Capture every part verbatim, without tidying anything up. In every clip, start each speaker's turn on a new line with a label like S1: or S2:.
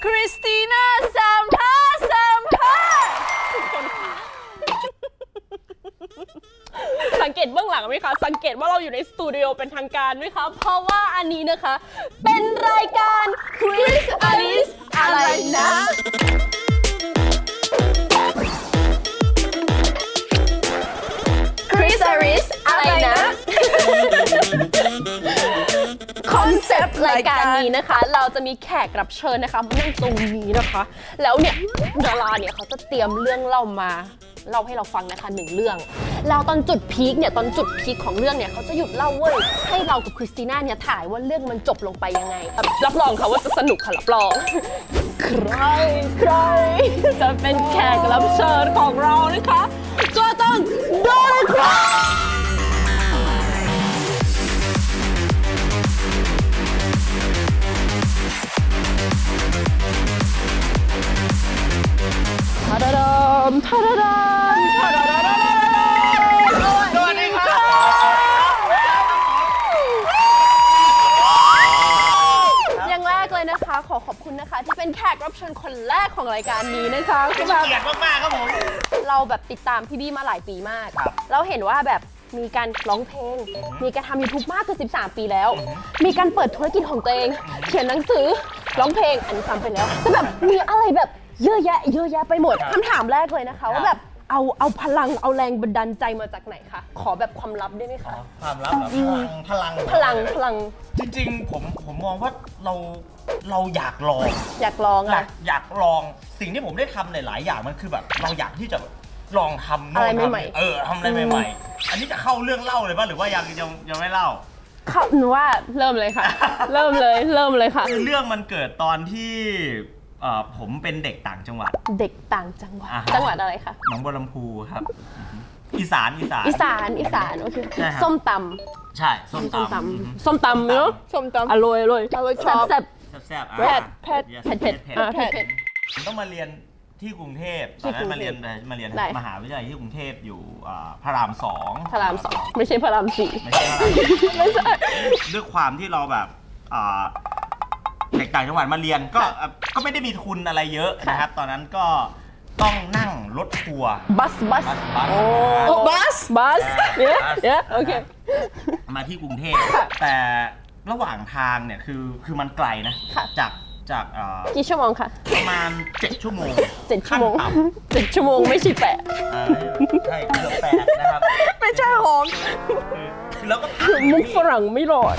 S1: คริสติน่าสัมภาษณ์สัมภาษณ์ทุกคนค่ะสังเกตเบื้องหลังไหมคะสังเกตว่าเราอยู่ในสตูดิโอเป็นทางการไหมคะเพราะว่าอันนี้นะคะเป็นรายการคริสอลิสอะไรนะคริสอลิสอะไรนะคอนเซปต์รายการนี้นะคะเราจะมีแขกรับเชิญนะคะมานั่งตรงนี้นะคะแล้วเนี่ยดาราเนี่ยเขาจะเตรียมเรื่องเล่ามาเล่าให้เราฟังนะคะหนึ่งเรื่องแล้วตอนจุดพีคเนี่ยตอนจุดพีคของเรื่องเนี่ยเขาจะหยุดเล่าเว้ยให้เรากับคริสติน่าเนี่ยถ่ายว่าเรื่องมันจบลงไปยังไงรับรองค่ะว่าจะสนุกค่ะรับรองใครใครจะเป็นแขกรับเชิญของเรานะคะก็ต้องโดนครับทาดาดามทาดาดามทาดาดามสวัสดีครับอย่างแรกเลยนะคะขอขอบคุณนะคะที่เป็นแขกรับเชิญคนแรกของรายการนี้นะคะ
S2: เป็นเกียรติมากๆครับผม
S1: เราแบบติดตามพี่บี้มาหลายปีมากเราเห็นว่าแบบมีการร้องเพลงมีการทำ ยูทูบ มากกว่าสิบสามปีแล้วมีการเปิดธุรกิจของตัวเองเขียนหนังสือร้องเพลงอันนี้ทำไปแล้วแต่แบบมีอะไรแบบเยอะแยะเยอะแยะไปหมดคำถามแรกเลยนะคะว่าแบบเอาเอาพลังเอาแรงบันดาลใจมาจากไหนคะขอแบบความลับได้ไหมคะ
S2: ความลับเหรอพลัง
S1: พลังพลัง
S2: จริงๆผมผมมองว่าเราเราอยากลอง
S1: อยากลอง
S2: อยากอยากลองสิ่งที่ผมได้ทำในหลายอย่างมันคือแบบเราอยากที่จะลองทำ
S1: อะไรใหม่
S2: ๆเออทำอะไรใหม่ๆอันนี้จะเข้าเรื่องเล่าเลยป่ะหรือว่ายังยังยังไม่เล่า
S1: เข้าหนูว่าเริ่มเลยค่ะเริ่มเลยเริ่มเลยค่ะ
S2: เรื่องมันเกิดตอนที่ผมเป็นเด็กต่างจังหวัด
S1: เด็กต่างจังหวัดจังหวัดอะไรคะ
S2: หนองบัวลำพูครับอีสานอีสาน
S1: อีสานอีสานโอเคส้มตำ
S2: ใช่ส้มต
S1: ำส้มตำเนาะส้มตำอร่อยอร่อยอร่อยชอบแซ่บ
S2: แซ่บ
S1: เผ็ดเผ็ดเผ็ดเผ็ดเผ็ด
S2: ผมต้องมาเรียนที่กรุงเทพตอนนั้นมาเรียนมาเรียนมหาวิทยาลัยที่กรุงเทพอยู่พระรามสอง
S1: พระรามสองไม่ใช่พระรามสี่
S2: ไม่ใช่พระรามไม่ใช่ด้วยความที่เราแบบเด็กต่างจังหวัดมาเรียนก็ก็ไม่ได้มีทุนอะไรเยอะนะครับตอนนั้นก็ต้องนั่งรถทัวร์
S1: บัสบัส
S2: บัส
S1: โอ้บัสบัสเนี่ยเนี่ยโอเค
S2: มาที่กรุงเทพแต่ระหว่างทางเนี่ยคือคือมันไกลนะจากจาก
S1: กี่ชั่วโมงคะ
S2: ประมาณเจ็ดชั่วโมง
S1: เจ็ดชั่วโมงเจ็ดชั่วโมงไม่ใช่แปด
S2: ใช่เกือบแปดนะครับ
S1: ไม่ใช่หอม
S2: แล้วก็
S1: มุกฝรั่งไม่รอด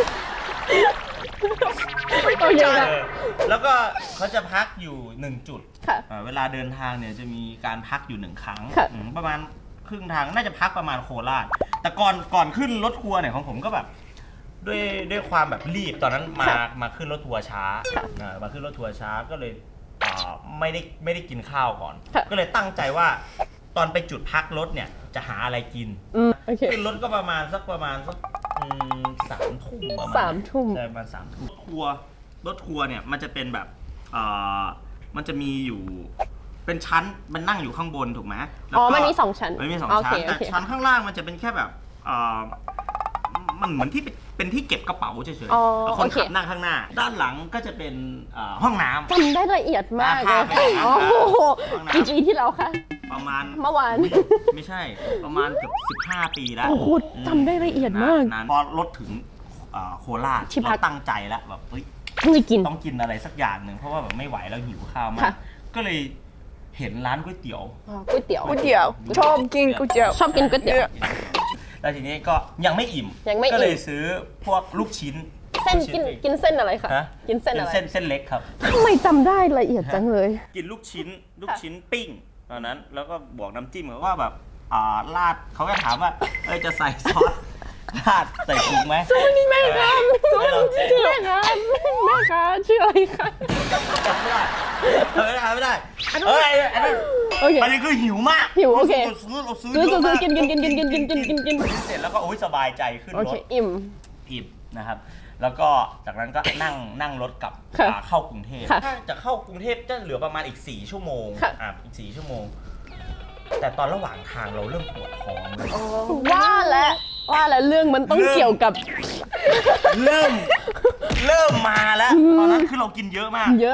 S1: โอเค
S2: แล้วก็เขาจะพักอยู่หนึ่งจุดเวลาเดินทางเนี่ยจะมีการพักอยู่หนึ่งครั้งประมาณครึ่งทางน่าจะพักประมาณโคราชแต่ก่อนก่อนขึ้นรถทัวร์เนี่ยของผมก็แบบด้วยด้วยความแบบรีบตอนนั้นมามาขึ้นรถทัวร์ช้ามาขึ้นรถทัวร์ช้าก็เลยไม่ได้ไม่ได้กินข้าวก่อนก็เลยตั้งใจว่าตอนไปจุดพักรถเนี่ยจะหาอะไรกินขึ้นรถก็ประมาณสักประมาณสักสามทุ่มประมาณ
S1: สามทุ่ม
S2: ใช่ประมาณสามทุ่มทัวร์รถทัวร์เนี่ยมันจะเป็นแบบมันจะมีอยู่เป็นชั้นมันนั่งอยู่ข้างบนถูกไหม
S1: อ๋อมันมีสองชั้น
S2: มันมีสองชั้นแต่ชั้นข้างล่างมันจะเป็นแค่แบบมันเหมือนที่เป็นที่เก็บกระเป๋าเฉยๆแล้วคนขับนั่งข้างหน้าด้านหลังก็จะเป็นห้องน้ำ
S1: จำได้ละเอียดมากเลยโอ้โหกี่ปีที่แล้วคะ
S2: ประมาณ
S1: เมื่อวาน
S2: ไม่ใช่ประมาณเกือบสิบห้าปีแล้ว
S1: โอ้โหจำได้ละเอียดมาก
S2: พอรถถึงโคราชเราตั้งใจแล้วแบบเฮ้ย
S1: ต้องกิน
S2: ต้องกินอะไรสักอย่างหนึ่งเพราะว่าแบบไม่ไหวแล้วหิวข้าวมากก็เลยเห็นร้านก๋วยเตี๋ยว
S1: ก๋วยเตี๋ยว
S3: ก๋วยเตี๋ยวชอบกินก๋วยเตี๋ยว
S1: ชอบกินก๋วยเตี๋ยว
S2: แล้วทีนี้ก็ยังไม่อิ่มก็เลยซื้อพวกลูกชิ้น
S1: เส้นกินกินเส้นอะไรคะกินเส้นอะไร
S2: เส้นเส้นเล็กครับ
S1: ทำไมจำได้ละเอียดจังเลย
S2: กินลูกชิ้นลูกชิ้นปิ้งตอนนั้นแล้วก็บวกน้ำจิ้มเขาว่าแบบอ่าราดเขาก็ถามว่าเอ้ยจะใส่ซอสราดใส่ถุงไหม
S1: สวัสดีแม่ครับสวัสดีแม่ครับแม่ครับชื่ออะไรคะ
S2: ไม่ได้ไม่ได้เอ้ยอันนั้นอันนี้คือหิวมาก
S1: หิวโอเค
S2: ซื้อเราซื้อ
S1: ซื้อซื้อกินกินกินกินกินกินกินกินกิน
S2: เสร็จแล้วก็โอ้ยสบายใจขึ้นรถ
S1: อิ่ม
S2: อิ่มนะครับแล้วก็จากนั้นก็นั่งนั่งรถกลับเข้ากรุงเทพถ้าจะเข้ากรุงเทพจะเหลือประมาณอีกสี่ชั่วโมงอ่ะอีกสี่ชั่วโมงแต่ตอนระหว่างทางเราเริ่มปวดท้องเลย
S1: ว่าแล้วว่าแล้วเรื่องมันต้องเกี่ยวกับ
S2: เริ่มเริ่มมาแล้วตอนนั้นคือเรากินเยอะมาก
S1: เยอะ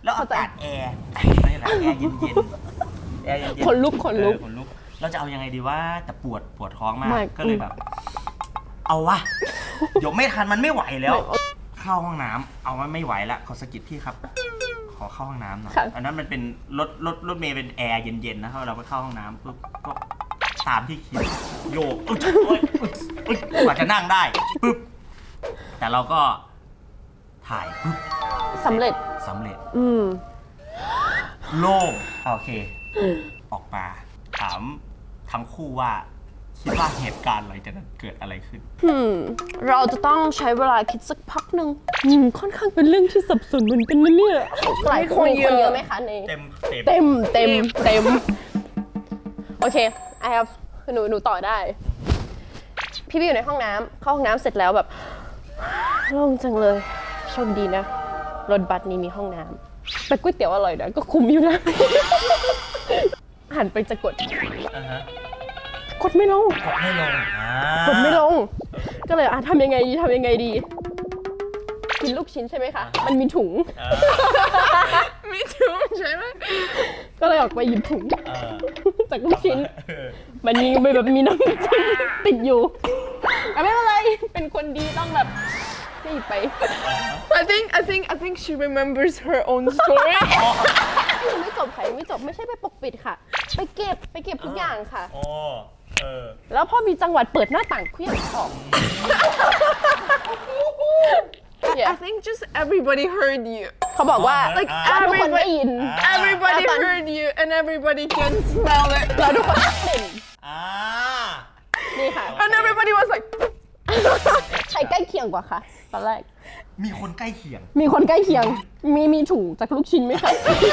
S2: แล้วอากาศแอร์ไม่ไรแอร์เย็นๆแอร์เย็นๆ
S1: ขนลุกขนลุก
S2: เออขนลุกเราจะเอายังไงดีว่าแต่ปวดปวดท้องมาก
S1: ไม่
S2: ก็เลยแบบ เอาวะเดี๋ยวไม่ทันมันไม่ไหวแล้ว เข้าห้องน้ำเอามันไม่ไหวละขอสกิดพี่ครับ ขอเข้าห้องน้ำหน่อย
S1: ค่ะ
S2: อันนั้นมันเป็นรถรถรถเมย์เป็นแอร์เย็นๆนะครับเราไปเข้าห้องน้ำปุ๊บก็ตามที่คิดโยกอุ๊ยโอ๊ยอุ๊ยอุ๊ยกว่าจะนั่งได้ปุ๊บแต่เราก็ถ่ายปุ๊บ
S1: สำเร็จ
S2: สำเร็จ
S1: อืม
S2: โล่งโอเค ออกมาถามทั้งคู่ว่าคิดว่าเหตุการณ์อะไรจะเกิดอะไรขึ้น
S1: อืม เราจะต้องใช้เวลาคิดสักพักหนึ่งอืมค่อนข้างเป็นเรื่องที่สับสนเหมือนกันนะเนี่ยหลายคนคนเยอะไหมคะใน
S2: เต็มเต็ม
S1: เต็มเต็มเต็มโอเค I have หนูหนูต่อได้ พี่พี่อยู่ในห้องน้ำเข้าห้องน้ำเสร็จแล้วแบบโล่งจังเลยโชคดีนะรถบัสนี้มีห้องน้ำแต่ก๋วยเตี๋ยวอร่อยนะก็คุ้มอยู่นะ หันไปจะกด
S2: อ่าฮะ
S1: กดไม่ลง
S2: กดไม่ลงอ่าก
S1: ดไม่ลง ก็เลยอ่ะทำยังไงดีทำยังไงดี กินลูกชิ้นใช่ไหมคะ มันมีถุง
S2: อ่า
S3: มีถุงใช่ไหม
S1: ก็เลยออกไปหยิบถุง
S2: เออ
S1: จากลูกชิ้น
S2: เออ
S1: มันมีแบบมีน้ำจิ้มติดอยู่อ่ะไม่เป็นไร เป็นคนดีต้องแบบรีบไป
S3: I think I think I think she remembers her own story
S1: ยังไม่จบค่ะยังไม่จบไม่ใช่ไปปกปิดค่ะ ไปเก็บไปเก็บทุกอย่างค่ะ
S2: โอ้เออ
S1: แล้วพอมีจังหวัดเปิดหน้าต่างเคลื่อนออก
S3: I think just everybody heard you
S1: เขาบอกว่า
S2: Like
S1: ว่าทุกคนได้ยิน
S3: everybody
S1: อ่า
S3: heard you and everybody can smell it
S1: แล้วทุกคนกลิ่น
S2: อ่า
S1: นี่ค่ะ
S3: and everybody was like
S1: ใครใกล้เคียงกว่าคะตอนแรก
S2: มีคนใกล้เคียง
S1: มีคนใกล้เคียง มีมีถุงจากลูกชิ้นไหมคะ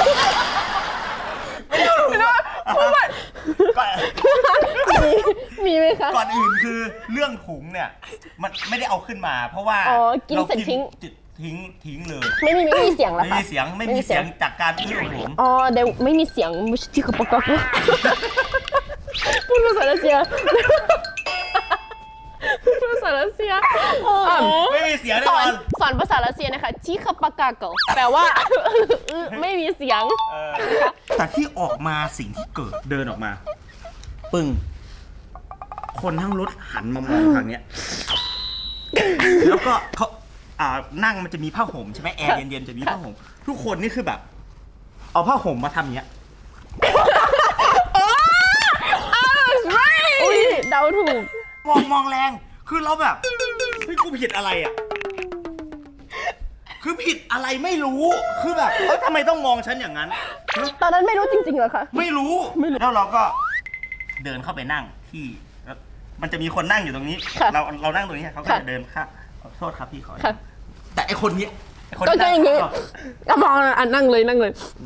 S2: ก่อน
S1: มีมีไหมคะ
S2: ก่อนอื่นคือเรื่องถุงเนี่ย มันไม่ได้เอาขึ้นมา เพราะว่า
S1: อ๋อกินเสร็จทิ้ง
S2: จิตทิ้งทิ้งเลย
S1: ไม่มีไม่มีเสียงแล้ว
S2: ไม่
S1: ค่ะ
S2: มีเสียงไม่มีเสียงจากการอื้อของผม
S1: อ๋อเดี๋ยวไม่มีเสียงไม่ใช่ที่เขาประกอบนะพูดภาษารัสเซียพูดภาษารัสเซียอ่ะ
S2: ไม่มีเสียงแน่
S1: ส
S2: น
S1: อ
S2: อน น
S1: สอนภาษารัสเซียนะคะชิคาปากาเกลแปลว่า ไม่มีเสียง
S2: เออแต่ที่ออกมาสิ่งที่เกิดเดินออกมา ปึ้ง คนทั้งรถหันมามองทางเนี้ย แล้วก็เขาอ่านั่งมันจะมีผ้าห่มใช่ไหมแอร์เย็นๆจะมีผ้าห่มทุกคนนี่คือแบบ เอาผ้าห่มมาทำเนี้ย
S1: อุ้ยเดาถูก
S2: มองมองแรงคือเราแบบเฮ้ยกูผิดอะไรอ่ะ คือผิดอะไรไม่รู้คือแบบเอ้ยทำไมต้องมองฉันอย่างนั้น
S1: ตอนนั้นไม่รู้จริงๆเหรอคะ
S2: ไม่รู้
S1: ไม่รู้
S2: แล้วเราก็เดินเข้าไปนั่งที่แล้วมันจะมีคนนั่งอยู่ตรงนี้
S1: ค่ะ
S2: เราเรานั่งตรงนี้เขาก็
S1: ค่ะ
S2: จะเดินข้ามขอโทษครับพี่ขอ
S1: ค่ะ
S2: แต่ไอคนเนี้ยไอคน
S1: ก็
S2: ที่
S1: จะอย่าง
S2: นี้
S1: งี้ก็มองอ่ะนั่งเลยนั่งเลย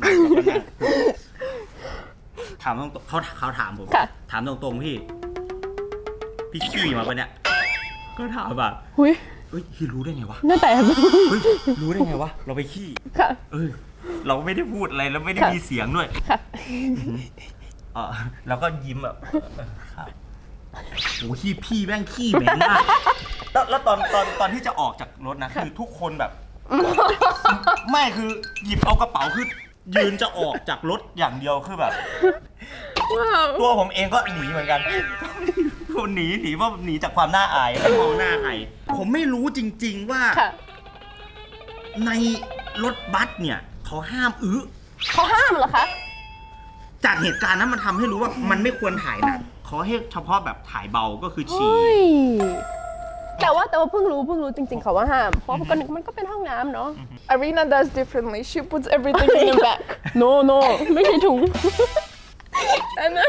S2: ถามตรงๆเขาเขาถามผม
S1: ค่ะ
S2: ถามตรงๆพี่ พี่ขี้มาปะเนี่ยก็ถามแบบ
S1: หุย
S2: เฮ้ยพี่รู้ได้ไงวะ
S1: หน้าแตก
S2: เฮ้ยรู้ได้ไงวะเราไปขี้
S1: ค่ะ
S2: เออเราไม่ได้พูดอะไรแล้วไม่ได้
S1: ค่ะ
S2: มีเสียงด้วย
S1: ค่ะ
S2: เออแล้วก็ยิ้มแบบเออครับโอ้ขี้พี่แม่งขี้เหม็นมากแล้วแล้วตอนตอนตอนที่จะออกจากรถนะคือทุกคนแบบ ไม่คือหยิบเอากระเป๋าคือยืนจะออกจากรถอย่างเดียวคือแบบ
S3: wow
S2: ตัวผมเองก็หนีเหมือนกันผมหนีหนีว่าหนีจากความน่าอายไม่มองหน้าใครผมไม่รู้จริง ๆว่า
S1: ค่ะ
S2: ในรถบัสเนี่ยเขาห้ามอื้อ
S1: เขาห้ามเหรอคะ
S2: จากเหตุการณ์นั้นมันทำให้รู้ว่ามันไม่ควรถ่ายหนักเขาให้เฉพาะแบบถ่ายเบาก็คือฉี่
S1: เฮ้ยแต่ว่าแต่ว่าเพิ่งรู้เพิ่งรู้จริงๆเขาว่าห้าม เพราะก็นึกมันก็เป็นห้องน้ำเนาะ
S3: Arena does differently she puts everything in the back
S1: no no ไม่ใช่ถุง
S3: and then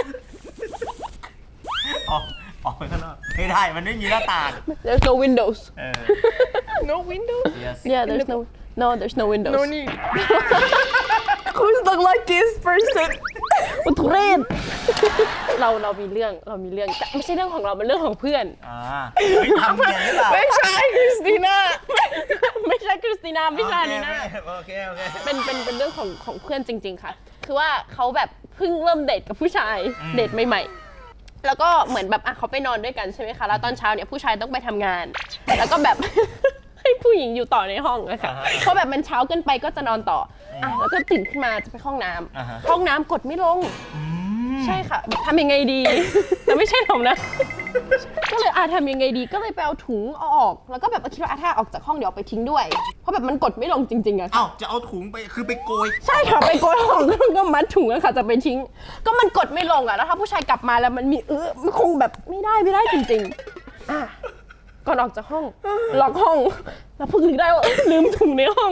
S2: ออกออกไปข้างนอกไม่ได้มันไม่มีหน้าต่าง
S1: there's no windows
S2: เออ
S3: no windows
S2: yes
S1: yeah there's no no there's no windows
S3: no need who's the luckiest person
S1: อุทุเรศ เราเรามีเรื่องเรามีเรื่องแต่ไม่ใช่เรื่องของเราเป็นเรื่องของเพื่อน
S2: อ่าเฮ้ยทำเนียนหรือเปล่า
S3: ไม่ใช่ Christina
S1: ไม่ใช่คริสติน่าไม่ใช่นี่นะ
S2: โอเคโอเค
S1: เป็นเป็นเป็นเรื่องของของเพื่อนจริง ๆ ค่ะ คือว่าเขาแบบเพิ่งเริ่มเดทกับผู้ชาย
S2: อืม
S1: เดทใหม่ๆ แล้วก็เหมือนแบบอ่ะเขาไปนอนด้วยกันใช่ไหมคะ แล้วตอนเช้าเนี่ยผู้ชายต้องไปทำงาน แล้วก็แบบ ให้ผู้หญิงญิงอยู่ต่อในห้องอะค่ะ
S2: อ่าฮะ
S1: เพราะแบบมันเช้าเกินไปก็จะนอนต่ออ่ะแล้วก็ตื่นขึ้นมาจะไปห้องน้ำ
S2: อ่าฮะ
S1: ห้องน้ำกดไม่ลง
S2: อืม
S1: ใช่ค่ะแบบทำยังไงดี แต่ไม่ใช่ผมนะ ก็เลยอาทำยังไงดีก็เลยไปเอาถุงเอาออก แล้วก็แบบคิดว่าอาถ้าออกจากห้องเดี๋ยวเอาไปทิ้งด้วย เพราะแบบมันกดไม่ลงจริงๆอะ
S2: เอ้าจะเอาถุงไปคือไปโกย
S1: ใช่ค่ะไปโกยของก็มัดถุงอะค่ะจะไปทิ้ง ก็มันกดไม่ลงอะแล้วถ้าผู้ชายกลับมาแล้วมันมีเออมันคงแบบไม่ได้ไม่ได้จริงๆอ่ะก่อนออกจากห้องล็อกห้องแล้วเพิ่งนึกได้ว่าเอ้ยลืมถุงในห้อง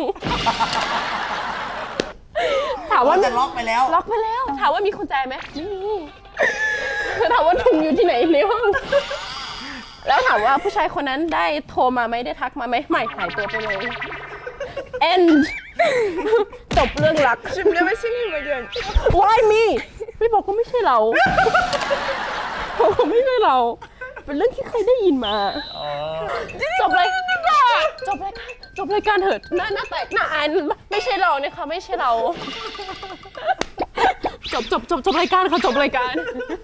S1: ถามว่า
S2: จะล็อกไปแล้ว
S1: ล็อกไปแล้ว ถามว่ามีกุญแจไหมไม่มีถามว่าถุงอยู่ที่ไหนในห้อง แล้วถามว่าผู้ชายคนนั้นได้โทรมาไหมได้ทักมาไหมไม่หายตัวไปเลย end จบเรื่องรัก
S3: I've never seen him again.
S1: why me ไม่บอกก็ไม่ใช่เราบอกว่าไม่ใช่เรา เป็นเรื่องที่เคยได้ยินมา จบเลยจบรายการจบรายการเถิดหน้าหน้าแตกหน้าอายไม่ใช่เราเนี่ยค่ะไม่ใช่เรา จบจบจบจบรายการค่ะจบรายการ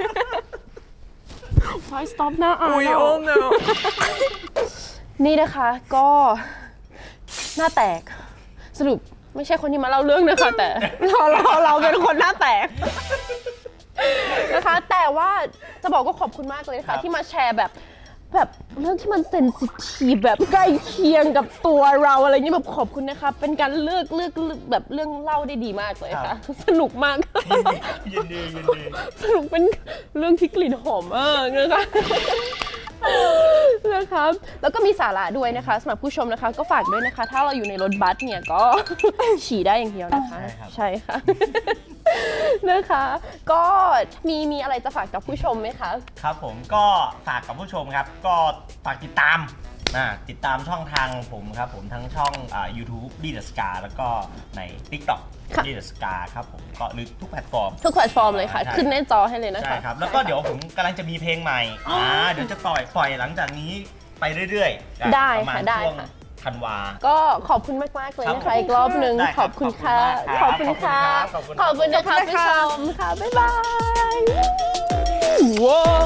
S1: why stop หน้าอาย
S3: We all know.
S1: นี่นะคะก็หน้าแตกสรุปไม่ใช่คนที่มาเล่าเรื่องนะคะ แต่เราเราเราเป็นคนหน้าแตกนะคะแต่ว่าจะบอกก็ขอบคุณมากเลย
S2: ครั
S1: ค่ะ
S2: บ
S1: ที่มาแชร์แบบแบบเรื่องที่มันเซนซิทีฟแบบใกล้เคียงกับตัวเราอะไรอย่างนี้แบบขอบคุณนะคะเป็นการเลือกเลือกเลือกแบบเรื่องเล่าได้ดีมากเลยค่ะสนุกมาก
S2: ยินดียินดี
S1: สนุกเป็นเรื่องที่กลิ่นหอมมากนะคะนะคะแล้วก็มีสาระด้วยนะคะสำหรับผู้ชมนะคะ ก็ฝากด้วยนะคะ ถ้าเราอยู่ในรถบัสเนี่ยก็ ฉี่ได้อย่างเดียวนะคะ
S2: ใช่ครับ
S1: ใช่ค่ะ นะคะ ก็มีมีอะไรจะฝากกับผู้ชมไหมคะ
S2: ครับผมก็ฝากกับผู้ชมครับ ก็ฝากติดตามอ่าติดตามช่องทางผมครับผมทั้งช่องอ่า YouTube ดีเดอะสกาแล้วก็ใน TikTok
S1: ค่ะ
S2: ดีเดอะสกาครับผมก็หรือทุกแพลตฟอร์ม
S1: ทุกแพลตฟอร์มเลยค่ะ
S2: ใช่
S1: ขึ้นหน้าจอให้เลยนะคะ
S2: ใช่ครับ แล้วก็เดี๋ยวผมกำลังจะมีเพลงใหม่อ่าเดี๋ยวจะปล่อยปล่อยหลังจากนี้ไปเรื่อยๆอ่ะ
S1: ได้
S2: ประมาณ
S1: ค่ะได้
S2: ช่วง
S1: ค่ะ
S2: ธันวา
S1: ก็ขอบคุณมากมากๆเลยนะ
S2: ครั
S1: คะ
S2: บ
S1: อีกรอบหนึ่ง
S2: ได้
S1: ข
S2: ครั
S1: อ
S2: บบ
S1: คุณค่ะ
S2: ข
S1: ข
S2: อ
S1: อ
S2: บบ คุ
S1: คุณ ณ
S2: ครั
S1: ค่ะ
S2: บขอบคุณ
S1: ขอบคุณนะคะ
S3: ขอบคุณ
S1: ผู้
S3: ค่ะ
S1: ชมค่ะ บ๊ายบาย ว้าว